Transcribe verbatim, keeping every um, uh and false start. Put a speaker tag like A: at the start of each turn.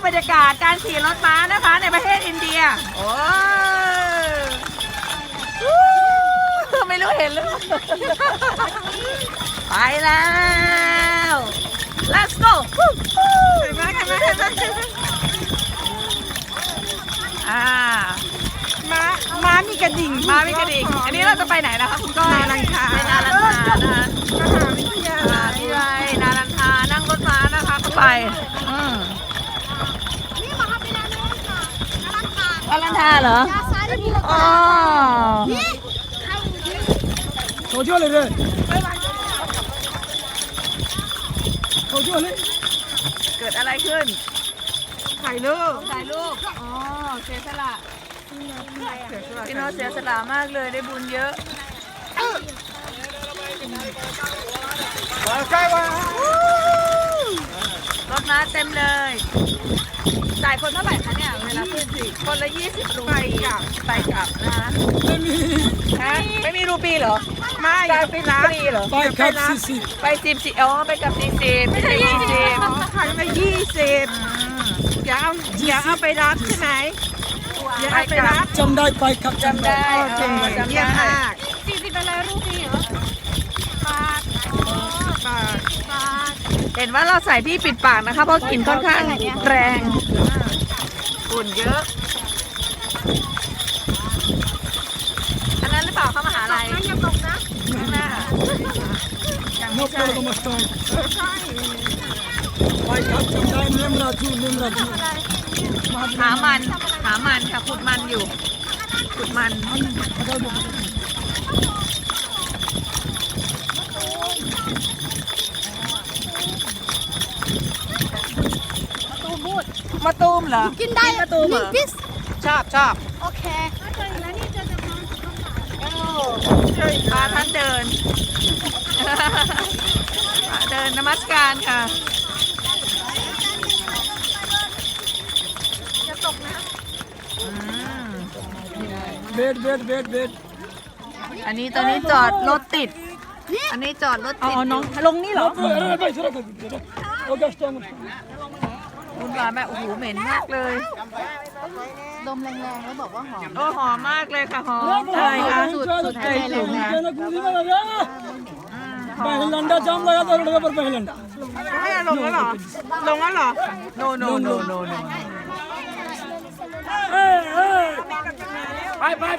A: บรรยากาศการขี่รถม้านะคะในประเทศอินเดียโอ้ไม่รู้เห็นหรือไปแล้ว let's go เห็นไหมเห็นไหมเห็นไหมอ่าม้าม้ามีกระดิ่งม้ามีกระดิ่งอันนี้เราจะไปไหนนะคะคุณก้อยนาลันทาไปนาลันทานะคะมหาวิทยาลัยนาลันทานั่งรถม้านะคะไปอืมนาลันทาเหรออ๋อ
B: โชว์ช่วยเลยเลยโชว์ช่วยเลย
A: เกิดอะไรขึ้นถ่ายรูปถ่ายรูปอ๋อเสียสละพี่โน้ตเสียสละมากเลยได้บุญเยอะรถม้าเต็มเลยจ่ายคนเท่าไหร่คะเนี่ยเวลาขึ้นสิคนละยี่สิบรูปีไปกลับนะคะ
B: ไม่มี
A: ฮะไม่มีรูปีเหรอไม่จ่ายฟรีฟรีเหรอ
B: ไปกับสี่สิบ
A: ไปสิบสิอ๋อไปกับสี่สิบไม่ใช่ยี่สิบขายมายี่สิบอย่าเอาอย่าเอาไปรับใช่ไหมอย่าเอาไปรับ
B: จำได้ไปกับ
A: จำได้จำได้จำได้
C: สี่สิบเป็นอะไรรูปีเหรอบาทบาทบาท
A: เห็นว่าเราใส่ที่ปิดปากนะคะเพราะกลิ่นค่อนข้างแรงฝุ่นเยอะอันนั้นหรือเปล่าเข้ามหาลัย
C: อย่าตกนะ
A: ข้างหน้ายังไม่ใช่
B: ไปกับจำได้เนมราจูเนมราจู
A: หามันหามันค่ะขุดมันอยู่ขุดมันมาตูมเหรอ
C: กินได้
A: มาตูมเหรอชอบชอบ
C: โอเคแล้วนี่จะจะ
A: พาท่านเดินเดินนมัสการค่ะ
C: จะตกนะ
B: เบ็ดเบ็ดเบ็ดเบ็ด
A: อันนี้ตอนนี้จอดรถติดอันนี้จอดรถติดน้องลงนี่เหรอคุณว่าแม่โอ้โหเหม็นมากเลย
C: ดมแรงๆแล้วบอกว่าหอม
A: โอ้หอมมากเลยค่ะหอมอะไรคะ
C: สูตรสูตรไทยเลยนะ
B: पहलंडा जाम लगा था रोड पर पहलंडा
A: ไม่ลงแล้วเหรอลงแล้วเหรอ no no no no no
B: ไปไป